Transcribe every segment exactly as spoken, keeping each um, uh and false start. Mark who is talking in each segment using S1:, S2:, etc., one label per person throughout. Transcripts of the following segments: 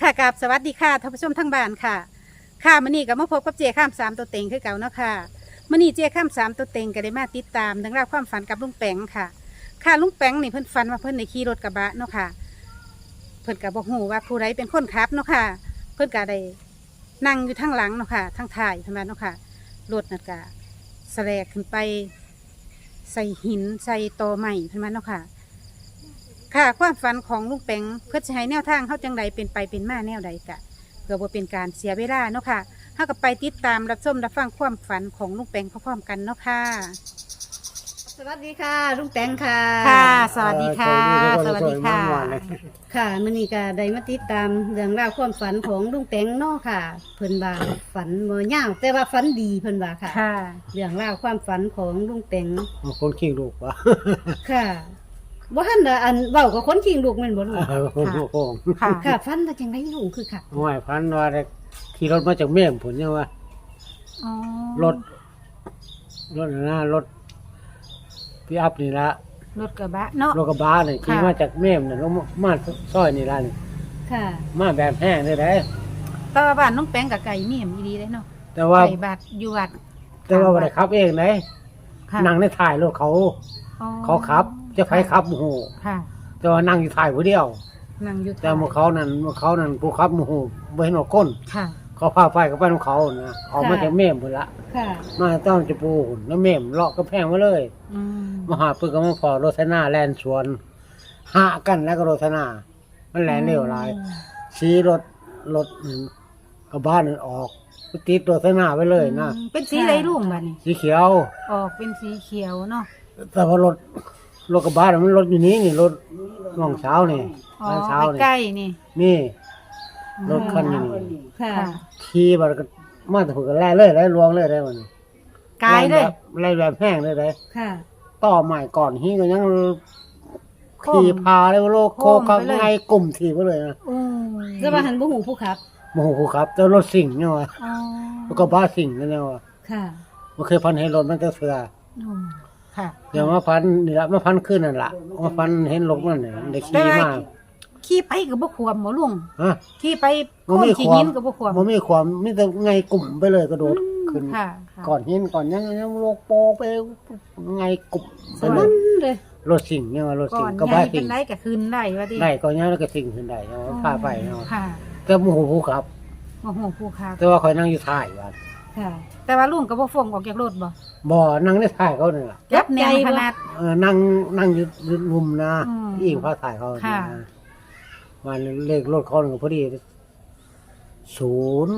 S1: กับสวัสดีค่ะท่านผู้ชมทั้งบ้านค่ะค่ะมื้อนี้ก็มาพบกับเจ้ข้ามสามตัวเต็งคือเก่าเนาะค่ะมื้อนี้เจ้ข้ามสามตัวเต็งก็ได้มาติดตามเรื่องราวความฝันกับลุงแปงค่ะค่ะลุงแปงนี่เพิ่นฝันว่าเพิ่นได้ขี่รถกระบะเนาะค่ะเพิ่นก็บ่ฮู้ว่าผู้ใดเป็นคนขับเนาะค่ะเพิ่นก็ได้นั่งอยู่ทางหลังเนาะค่ะทางท้ายเท่านั้นเนาะค่ะรถนั่นก็แสลกขึ้นไปใส่หินใส่ตอไม้เท่านั้นเนาะค่ะค่ะความฝันของลุงแปงเพื่อจะให้แนวทางเขาจังใดเป็นไปเป็นมาแนวใดกะเพื่อบ่เป็นการเสียเวลาเนาะค่ะเขาก็ไปติดตามรับชมรับฟังความฝันของลุงแปงพร้อมๆกันเนาะค่ะ
S2: สวัสดีค่ะลุงแตงค่ะ
S1: ค่ะสวัสดีค่ะสวัสดีค่ะ
S2: ค่ะมื้อนี้ก็ได้มาติดตามเรื่องราวความฝันของลุงแตงเนาะค่ะเพิ่นว่าฝันบ่ยาวแต่ว่าฝันดีเพิ่นว่าค่ะ
S1: ค่ะ
S2: เรื่องราวความฝันของลุงแตง
S3: คนขี้ลูกวะ
S2: ค่ะบ่ทันได้อันเว้ากับคนขิงลูกแม่นบ่ลูก
S3: คนลูกโป่ง
S1: ค่ะ
S2: ค่ะฝันว่าจังไดลูกคือค่ะ
S3: ห่วยพันว่าได้ขี่รถมาจากเมี่ยงผลเนี่ยว่า
S1: อ๋อ
S3: รถรถนะรถพี่อัพนี่ละ
S1: รถกระบะเนาะ
S3: รถกระบะนี่ขี่มาจากเมี่ยงเนี่ยลงมาซอยนี่ละนี่
S2: ค่ะ
S3: มาแบบแห้งเลยได้
S1: แต่ว่าบ้านลุงแปงกับไก่เมี่ยมอีดีเลยเนาะ
S3: แต่ว่า
S1: ไก่บาดอยู่วัด
S3: แต่ว่าบ่ได้ขับเองไหน
S1: ค่ะ
S3: นั่งในถ่ายรถเขา
S1: อ๋อ
S3: เขาขับจะใครขับโอ้โห
S1: ค่ะ
S3: แต่ว่านั่งอยู่ถ่ายผู้เดียว
S1: นั่งอยู่
S3: แต่เมื่อเขานั่นเมื่อเขานั่นผู้ขับโอ้โหไม่เห็นหัวก้น
S1: ค่ะ
S3: เขาพาไปกับไปของเขานะออกมาจากเมี่ยงหมดละ
S2: ค่ะ
S3: มาต้องจะปูหุ่นแล้วเม่มเลาะก็แพงมาเลย
S1: อืม
S3: มาหาปืนก็มาพอโรถนาแลนสวนหากันแล้วก็โรถนามันแลนเร็วหลายชี้รถรถกระบ้านนั่นออกติดโรถนาไปเลยนะ
S1: อืมเป็นสีอะไรลุงบ้านนี่
S3: สีเขียว
S1: ออกเป็นสีเขียวเนาะ
S3: แต่ว่ารถรถกระบะน่ะมันรถอยู่นี้นี่รถน้องเช้านี่
S1: อ๋อ
S3: ร้านเช้านี่
S1: ใกล้ๆนี่
S3: นี่รถคันนี้
S2: ค่ะ
S1: ค่ะ
S3: ขี่บัดก็มาแต่ผุกันแล่เลยได้ลวงเลยได้มัน
S1: กายเลย
S3: ไล่แบบแห้งเลยได้
S2: ค่ะ
S3: ต่อใหม่ก่อนฮีก็ยัง
S1: โค้ง
S3: ขี่พาเลยโลกโค
S1: โค้ง
S3: ข้าง
S1: ไปเลย
S3: ในกลุ่มถีบไปเลยนะ
S1: อืม
S2: แต่ว่าหันบ่ฮู้ผู้ขับ
S3: โมโหครับเจ้ารถสิ่งเนี่ยวะ
S1: อ๋อ
S3: แล้วก็บ้าสิ่งนั่นเนี่ยวะ
S2: ค่ะ
S3: มันเคยพันเห็นรถมันจะเสือ
S1: อืมค่ะ
S3: เดี๋ยวมาพันนี่ละมาพันขึ้นนั่นละมาพันเห็นรถมันเนี่ยเด็ก
S1: แต่
S3: ขี่
S1: ว่า
S3: มา
S1: ขี่ไปกับบ่ควมหมอลุง
S3: ฮะ
S1: ขี่ไป
S3: มัน
S1: โค่น
S3: มี
S1: ขี่
S3: ควา
S1: หิ
S3: ม
S1: นกับบ่ควม
S3: มันมีความมีแต่ไงกลุ่มไปเลยกระโดดขึ้น
S1: ค่ะค่ะ
S3: ก่อนหินก่อนยังยังโลกโปกไปไงกลุ่มไป
S2: ส
S3: เล
S2: นั่
S3: ย
S2: นเลย
S3: รถสิ่งเนี่ยวะรถ
S1: ก่
S3: สิ่
S1: อง น
S3: ก็
S1: ให
S3: บ้า
S1: ญ่เป็
S3: สิ่
S1: น
S3: ง
S1: ไรก็คืนได้ว่าดิ
S3: ได้ก็ยังแล้วก็สิ่งขึ้นได้เนาะพาไปเนาะ
S1: ค่ะ
S3: แต่โมโหผู้ขับ
S1: โอ้โหผู้ค้า
S3: แต่ว่าคอยนั่งอยู่ท้ายวัน
S2: ค่ะ
S1: แต่ว่าลุงก็บ่ฟงออกจากรถบ่
S3: บ่อนั่งในท้ายเขาเนี่ยล่ะ
S1: จับแนวขนาด
S3: เออนั่งนั่งอยู่รุมนะ
S1: อืม
S3: อิงพาถ่ายเขา
S1: ค่ะ
S3: นะมันเลขรถเขาหนึ่งพอดีศูนย์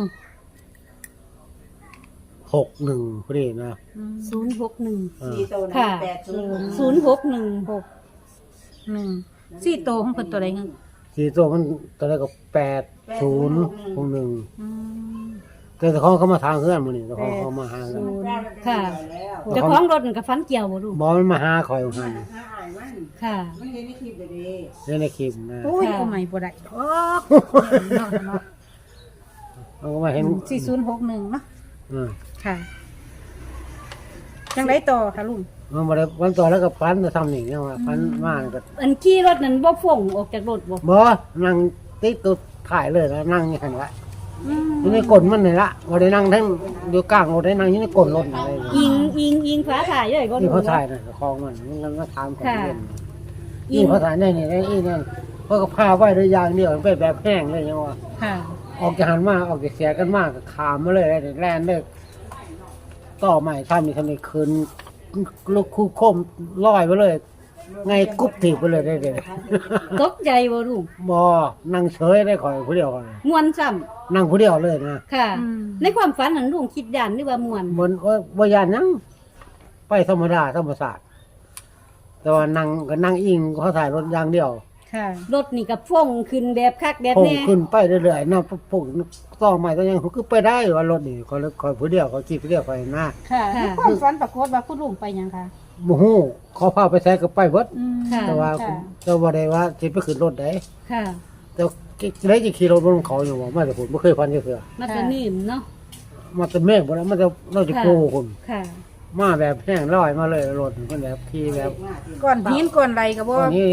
S3: หกหนึ่งพอดีนะ
S1: อืม
S2: ศูนย์หกหนึ่ง
S3: เออ
S2: ค่ะศูนย์หกหนึ่ง
S1: หกหนึ่งสี่โตของเพิ่นตัวใดเงี้ย
S3: สี่ตัวมันตอนแรกก็แปดศูนย์หกหนึ่ง
S1: อืม
S3: แต่เจ้าของเขามาทางเพื่อนมันนี่เจ้าของเขามาหากัน
S2: ค่ะเจ้าของรถนั่นกับฟันเกี่ยวบ่ลูก
S3: บอมันมาหาคอยหัน
S2: ค่ะ
S3: เล่นในคลิปนะ
S1: โอ้ย
S2: ค่ะ
S1: โอ้ไม่บ่ได้โอ้เนาะเนาะ
S3: เขาก็มาเห็น
S1: สี่ศูนย์หกหนึ่งเนาะ
S3: เออ
S1: ค่ะจังไดต่อค่ะลุง
S3: มันมาได้วันต่อแล้วก็พันจะทำอย่างเงี้ยว่าพันมากก็
S2: อันขี่รถนั้นบ่ฟ่งออกจากรถบ่
S3: บอนั่งติดตัวถ่ายเลยแล้วนั่งอย่างนี้ละ
S1: อืม
S3: อยู่ในกลนมันนี่ละว่าได้นั่งทั้งอยู่กลางรถได้นั่งอยู่ในกลนรถอะไร
S2: อิงอิงอิงฟ้าถ่ายเลยบ่
S3: นี่
S2: ลูก
S3: เขาถ่ายนะคลองมันมันมาถามของเล่น
S2: อิ
S3: นี่
S2: ง
S3: เขาถ่ายในนี่ในอีนั่นเพราะก็พาไว้ด้วยยางเดียวมันเป็นแบบแห้งเลยยังว่า
S2: ค่ะ
S3: ออกจากหันมาออกจากเสียกันมากก็ขามมาเลยเลยแล่นเลยต่อใหม่ทำนี่ทำนี่คืนลูกคู่คมลอยไปเลย ไงกุ๊บถีบไปเลยได้เลย
S2: ตกใจบ่ลูก
S3: บอนั่งเฉยได้คอยผู้เดียวคอย
S2: ม่วนซ้ำ
S3: นั่งผู้เดียวเลยนะ
S2: ค่ะ
S1: อืม
S2: ในความฝันนั้นลุงคิดย่านหรือว่าม่วน
S3: บนว่าบ่ยานนั่งไปธรรมดาธรรมศาสตร์แต่ว่านั่งก็นั่งอิงเขาถ่ายรถอย่างเดียว
S1: ค่ะ
S2: รถนี่ก็ฟ่งขึ้นแบบคักแบบ
S3: พุ่ง
S2: แน่
S3: ขึ้นไปเรื่อยๆนะพุ่งต่อใหม่ก็ยังคือไปได้ว่ารถนี่เขาคอยผู้เดียวเขาจีบผู้เดียวไปนะ
S1: ค่ะในความฝันปรากฏว่าคุณลุงไปหยังคะ
S3: โมโหเขาพาไปแท้ก็ไปเบิด
S1: อืม
S2: ค่ะ
S3: แต่ว่า
S1: ค่ะ
S3: แต่ว่าได้ว่าสิไปขึ้นรถได้
S2: ค่ะ
S3: แต่ได้จะขี่รถบนเขาอยู่ว่ามาแต่ผมไม่เคยพันเสือ
S2: มาสนิมเนาะ
S3: มาแต่เมฆบ่แล้วมันจะเราจะโกงคน
S2: ค่ะ
S3: มาแบบแห้งลอยมาเลยรถมันแบบขี่แบบ
S1: ก่อนหินก่อนไรก็บ่
S3: ตอนนี้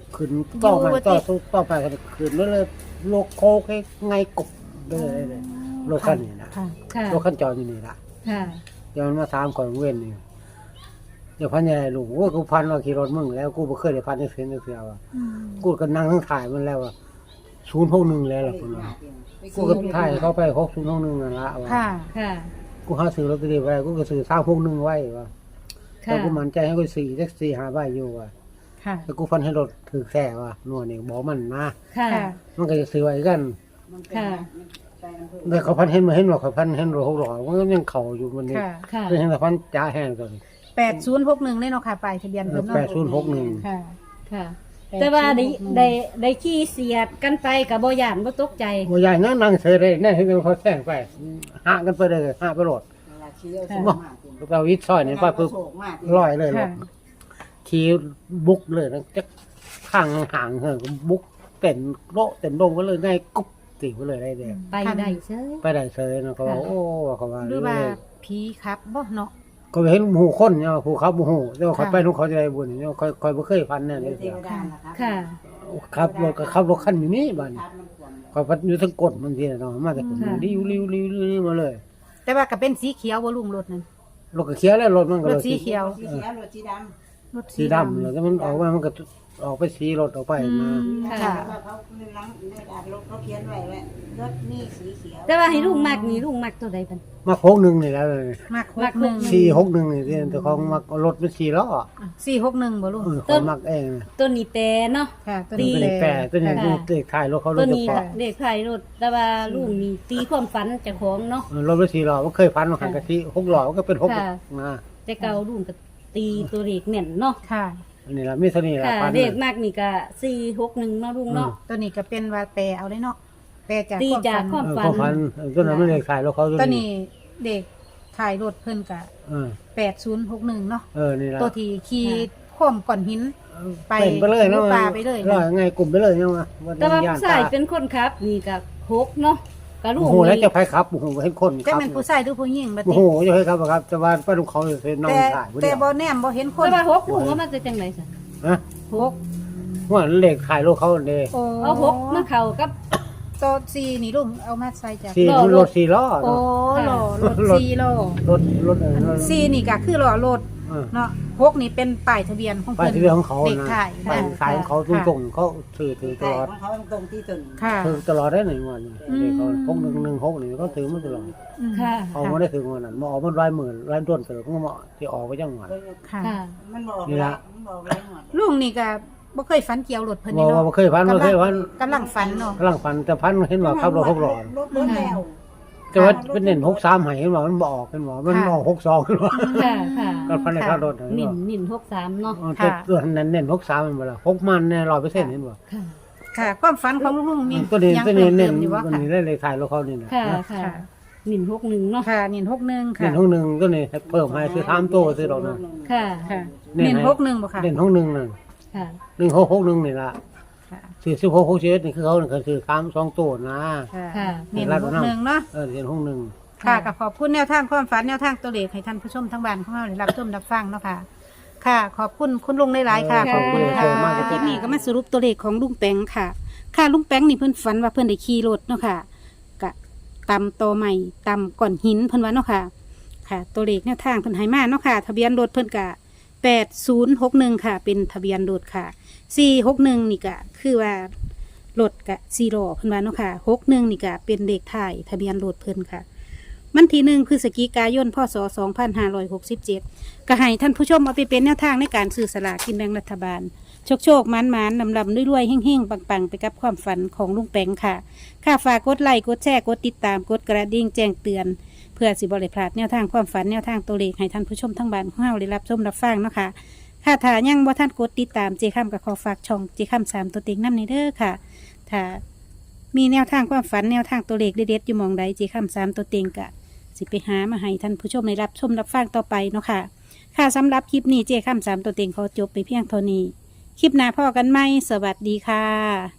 S3: ขึ้นต่อไปต่อสู้ต่อไปกันขึ้นแล้วเลยโลกโคกให้ไงกบเลยเลยโลกขั้นนี่นะ
S1: ค่ะ
S2: ค่ะ
S3: โลกขั้นจออยู่นี่ละ
S2: ค่ะ
S3: เดี๋ยวมันมาถามก่อนเว้นนี่เดี๋ยวพันใหญ่ลุงโอ้กูพันว่าขี่รถมึงแล้วกูบ่เคยได้พันในเส้นในเสือว่ะกูก็นั่งทั้งถ่ายมันแล้วว่าศูนย์หกหนึ่งแล้วล่ะคุณว่ากูก็ถ่ายเข้าไปหกศูนย์หกหนึ่งนั่นละว่า
S1: ค่ะ
S2: ค่ะ
S3: กูหาซื้อลอตเตอรี่ไว้กูก็ซื้อสามหกหนึ่งไว้ว่า
S2: ค่ะ
S3: แต่กูมั่นใจให้กูสี่แท็กซี่หาใบอยู่ว่า
S1: ค่ะ
S3: แต่กูฟันให้รถถือแส่ว่านัวนี่บอกมันนะ
S2: ค่ะ
S1: ค่ะ
S3: มันก็จะซื้อไว้กัน
S2: ค่ะ
S3: แต่เขาพันเห็นมาเห็นว่าเขาพันเห็นรถหกร้อยมันก็ยังเข่าอยู่มันนี่
S1: ค่ะ
S2: ค่ะ
S3: เห็นแต่พันจ้าแห้งตัวนี้
S1: แปดศูนย์หกหนึ่งได้เนาะค่ะปลายทะเบียนเพิ่นเนาะ
S3: แปดศูนย์หกหนึ่ง
S1: ค่ะ
S2: ค่ะ แต่ว่าได้ได้ได้ขี่เสียดกันไปกับบ่ย่านบ่ตกใจ
S3: ว่าใหญ่นั่งนั่งเฉยเลยนั่นเห็นเขาแซงไปหากันไปเลยหาไปโหลดบอกเราวิทย์ซอยนี่ไปปุ๊บลอยเลยร
S1: ค่ะ
S3: ถขี่บุกเลยนะจะข้างห่างๆเฮ้ยบุกเต็นโลเต็นลงก็เลยง่ายกุ๊บติไปเลยได้เดีย
S2: ไปได้เฉย
S3: ไปได้เฉยนะเขาว่าโอ้เขาว่า
S1: หรือว่าผีครับบ่เนาะ
S3: ก็เห็นหมู่คนเนี่ยผู้เขาหมู่หูแต่ว่าเขา
S1: ค่ะ
S3: ไปทุกเขาจะได้บุญเนี่ยคอยคอยบ่เคยพันเนี่ยเลย
S2: ค่ะ
S3: ครับรถก็ขับรถคันอยู่นี่บ้านคอยพัดอยู่ทั้งกดบางทีเนาะมาแต่คนริ้วริ้วริ้วริ้วมาเลย
S1: แต่ว่าก็เป็นสีเขียวบ่ลุงรถนั่น
S3: รถก็เขียวแล้วรถมันก็
S1: รถสีเขียว
S3: ออ
S1: รถ
S3: สีดำแล้วแต่มันออกมามันก็ออกไปสีรถออกไป
S1: อื
S3: มา
S1: มค่ะ
S4: เขาในหลังในอ่านรถเขาเขียนไว้ว่ารถนี่สีเขียว
S2: แต่ว่าให้ลุงมักนี่ลุงมักตัวใดบัน
S3: มาโค้งหนึ่งนี่แล้วเลย
S1: มากหกหนึ่ง
S3: สี่หกหนึ่งนี่ที่แต่ของมารถเป็นสี่ล้อ
S1: สี่หกหนึ่งบ่ลุง
S3: เออของมักเอง
S2: ตัวนี้แต่เนาะ
S1: ค่ะตัว
S3: ตัว
S1: นี้
S3: นี้แปดตัวนี้
S2: ค่ะ
S3: เลขท้ายรถเขาร
S2: ตั
S3: ถ
S2: ว
S3: เฉ
S2: นี้
S3: พาะ
S2: เด็กไทยรถแต่ว่าลุงนี่ตีความฝันเจ้าของเนาะ
S3: เออรถเป็นสี่ล้อมันเคยพันมาหันกะทิหกล้อมันก็เป็นหก
S2: ค่ะ
S3: นะ
S2: แต่เก่าลุงก็ตีตัวเลขแม่นเนาะ
S1: ค่ะ
S3: อันนี้ละมีเท่านี้ละ
S2: ค่ะ
S3: พัน
S2: เลขมากนี่ก็สี่หกหนึ่งเนาะลุงเนาะ
S1: ตัวนี้ก็เป็นว่าแปลเอาได้เนาะแปลจาก
S2: ตีจาก
S1: ค
S2: ความ
S1: ฝัน
S3: เออเขาพันเออตัวนั้นไม่เลขท้ายรถเขา
S1: ตัวนี้เด็กถ่ายรถเพิ่นกะ
S3: เออ
S1: แปดศูนย์หกหนึ่งเนาะ
S3: เออนี่ละ
S1: ตัวที่ขี่ข่อมก่อนหิน ไป
S3: เป็นไปเลยนะ
S1: ปลาไปเลยนะ
S3: ลอยไงกลุ่มไปเลยนะวะ
S2: แต่ว่าผู้ชายเป็นคนขับ นี่ก็หกเนาะก็ลุ
S3: โอ้
S2: ง
S3: โหแล้ว
S2: นี่
S3: จะไปครับโอ้โหให้คนค
S1: จะ
S3: รับ
S1: เป็นผู้ชายหรือผู้หญิงบัด
S3: โอ้
S1: นี้
S3: โหจะให้ครับครับแต่ว่าป้าลุงเขาเป็นน้อง
S1: แต่
S3: ถ่ายผู้
S1: แต่
S3: เดียว
S1: บ่แนมบ่เห็นคน
S2: แต่ว่าหกลุงว่ามันจะจังไหนสิ
S3: ฮะ
S1: หก
S3: ว่าเลขถ่ายรถเขาเนี่ย
S1: โอ้
S2: เอาหกมาเข้ากับ
S1: ตัวสี่นี่ลุงเอามาใส่จาก
S3: สี่
S2: ล้อรถ
S3: รถสี่ล้อ
S1: โอ้
S3: เนาะ
S1: หล่อรถ
S3: รถ
S1: สี่ล้อ
S3: รถรถเออรถ
S1: สี่นี่ก็คือหล่อรถ
S3: เออ
S1: เนาะหกนี่เป็นป้ายทะเบียนของ
S3: ป้าย
S1: เพิ่น
S3: ทะเบียนของเขา
S1: เด็ก
S3: นะ
S1: ถ่าย
S3: ป้าย
S1: ค่ะ
S3: สายของเขาตรงๆเขาถือถือต
S4: แต่
S3: ลอด
S4: ของเขาตรงที่ตุน
S1: ค่ะ
S3: ถือตลอดได้หนึ่งวัน
S1: อืม
S3: เด็กเขาพกหนึ่งหนึ่งหกนี่เขาถือมาตลอด
S1: อืม
S2: ค่ะ
S3: เขาไม่ได้ถือวันนั้นมาออกมันรายหมื่นรายต้นเสร็จก็มาที่ออกไปจังหวัด
S1: ค่ะ
S2: ค่ะ
S4: มันบอก
S3: นี่ละ
S4: มันบอกไรหมด
S1: ลุงนี่ก็บ่เคยฝันเกี่ยวรถเพิ่น
S3: บอ
S1: นี่
S3: ก
S1: เนาะ
S3: ว่าเคยพันบ่เคยพัน
S1: กำลังฝันเนาะ
S3: กำลังพันแต่พันเห็นว่าขับรถหกล้อ
S4: รถรถแล้ว
S3: แต่ว่าเป็นเน้นหกสามให้เห็นว่ามันบออกเห็นว่ามันออกหกสองขึ้นว่า
S2: ค่ะค่ะ
S3: ก็พันในค่ารถ
S2: หมิ่นหมิ่นหกสามเนาะ
S3: แต่ตัวนั้นเน้นหกสามมันบ่ล่ะหกมันแน่ร้อยเปอร์เซ็นต์เห็นบ่
S2: ค่ะ
S1: ค่ะ ความฝันของลุงมี
S3: ตัวนี้
S1: ยัง
S3: ตัว
S1: เพิ่
S3: นี้
S1: ม
S3: เน้
S1: เติ
S3: น
S1: มอยู่ว่า
S3: ตัว
S1: ค่ะ
S3: นี้ได้เลยถ่ายรถเขานี่นะ
S2: ค่ะ
S3: นะ
S2: ค่ะหมิ่นหกหนึ่งเนาะ
S1: ค่ะนินหกหนึ่งค่ะ
S3: เน้นห้องหนึ่งตัวนี้เพิ่มให้คือสามตัวซื้อดอกนึง
S2: ค่ะ
S1: ค่ะ
S3: เน้น
S1: นิน
S3: ให้
S1: หกหนึ่งบ่ค่ะ
S3: เน้นห้องหนึ่งนั่น
S2: ค่ะ
S3: หนึ่งหกหกหนึ่งนี่ล่ะ
S1: ค่ะ
S3: สี่สิบหกหกสิบเอ็ดนี่คือเขานี่คือคือสามสองตัวนะ
S1: ค่ะ
S2: ค่ะ
S1: นินหกหนึ่งเนาะ
S3: เออเน้นห้องหนึ่ง
S1: ค่ะก็ขอบคุณแนวทางความฝันแนวทางตัวเลขให้ท่านผู้ชมทั้งบ้านของเราได้รับชมรับฟังเนาะค่ะ ค่ะ ขอบคุณคุณลุงหลายๆค่ะ
S2: เออ
S1: ขอบคุณค่ะ
S3: ขอบคุณมากครับ
S1: คลิปนี้ก็มาสรุปตัวเลขของลุงแปงค่ะ ค่ะลุงแปงนี่เพิ่นฝันว่าเพิ่นได้ขี่รถเนาะค่ะกะตำโตใหม่ตำก่อนหินเพิ่นว่าเนาะค่ะ ค่ะ ตัวเลขแนวทางเพิ่นให้มาเนาะค่ะ ทะเบียนรถเพิ่นกะแปดศูนย์หกหนึ่งค่ะ เป็นทะเบียนรถค่ะสี่หกหนึ่งนี่กะคือว่ารถกะซีโร่เพิ่นว่าเนาะค่ะหกหนึ่งนี่กะเป็นเลขท้ายทะเบียนรถเพิ่นค่ะ มันที่หนึ่งคือสกิกายนพศสองพันห้าร้อยหกสิบเจ็ดก็ให้ท่านผู้ชมเอาไปเป็นแนวทางในการซื้อสลากกินแบ่งรัฐบาล โชคโชคมันมันลำลำรวยๆเฮ่งๆ ปังๆ ไปกับความฝันของลุงแปงค่ะ ค่าฝากกดไลค์กดแชร์กดติดตามกดกระดิ่งแจ้งเตือน เพื่อสิบริพลาดแนวทางความฝันแนวทางตัวเลขให้ท่านผู้ชมทั้งบ้านของเราได้รับชมรับฟังเนาะค่ะค่ะถ้ายังบ่ท่านกดติดตามเจค้ำกับขอฝากช่องเจค้ำสามตัวเต็งน้ำในเด้อค่ะ ถ้ามีแนวทางความฝันแนวทางตัวเลขเด็ดๆอยู่หมองใดเจค้ำสามตัวเต็งกะ สิไปหามาให้ท่านผู้ชมได้รับชมรับฟังต่อไปเนาะค่ะ ค่ะสำหรับคลิปนี้เจ้ข้ามสามตัวเต็งขอจบไปเพียงเท่านี้ คลิปหน้าพ่อกันไหมสวัสดีค่ะ